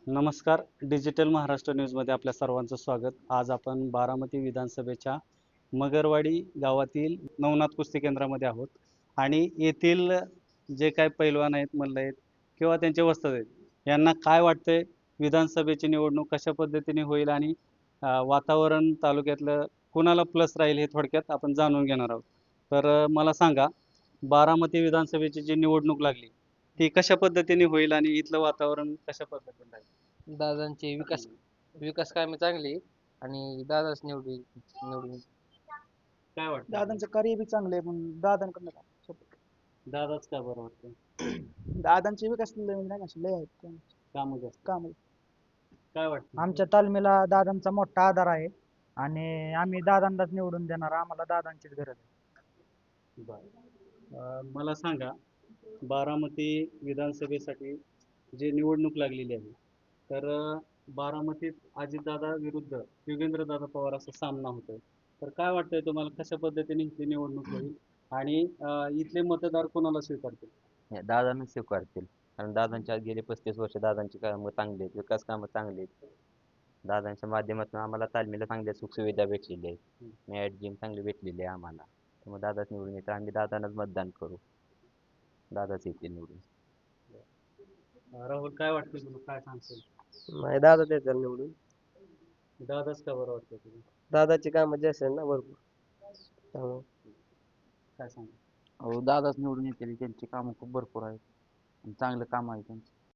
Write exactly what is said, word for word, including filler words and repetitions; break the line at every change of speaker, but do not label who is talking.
नमस्कार. डिजिटल महाराष्ट्र न्यूजमध्ये आपल्या सर्वांचं स्वागत. आज आपण बारामती विधानसभेच्या मगरवाडी गावातील नवनाथ कुस्ती केंद्रामध्ये आहोत आणि येथील जे काय पैलवान आहेत, मल्ल आहेत किंवा त्यांचे वस्ताद आहेत, यांना काय वाटतंय विधानसभेची निवडणूक कशा पद्धतीने होईल आणि अ, वातावरण तालुक्यातलं कुणाला प्लस राहील हे थोडक्यात आपण जाणून घेणार आहोत. तर अ, मला सांगा, बारामती विधानसभेची जी निवडणूक लागली ती कशा पद्धतीने होईल आणि इथलं वातावरण कशा पद्धतीने राहील?
दादांची विकास विकास कामे चांगली आहेत आणि दादाच निवडून निवडून येतील.
काय वाटतं?
दादांचं कार्य बी चांगलं आहे पण दादांकडनं का support.
दादाच का बरं वाटतं?
दादांचे विकास लय म्हणजे नाही का असे लय आहेत
कामं जास्त.
काम
काय वाटतं?
आमच्या तालमीला दादांचा मोठा आधार आहे आणि आम्ही दादांनाच निवडून देणार आम्हाला दादांचीच गरज आहे.
बरं. अं, मला सांगा, बारामती विधानसभेसाठी जी निवडणूक लागलेली आहे, तर अं, बारामतीत अजितदादा विरुद्ध योगेंद्रदादा पवार असा सामना होतोय. तर काय वाटतंय तुम्हाला कशा पद्धतीने इथली निवडणूक होईल आणि अं, इथले मतदार कोणाला स्वीकारतील?
हे दादांना स्वीकारतील. कारण दादांच्या आज गेले पस्तीस वर्ष दादांची कामं चांगली आहेत, विकास कामं चांगली आहेत. दादांच्या माध्यमातून आम्हाला तालमीला चांगल्या सुखसुविधा भेटलेल्या आहेत. मॅट जिम चांगली भेटलेली आहे आम्हाला. त्यामुळे दादाच निवडून येतात. आम्ही दादांनाच मतदान करू. दादाच येतील निवडून.
अं, राहुल, काय वाटतं तुला? काय सांगशील?
नाही दादा देतात निवडून.
दादाच का बरं वाटतं तुला?
दादाची कामं जास्त आहेत ना भरपूर त्यामुळे
काय सांग?
अहो दादाच निवडून येतील. त्यांची कामं खूप भरपूर आहेत आणि चांगलं काम आहे त्यांचं.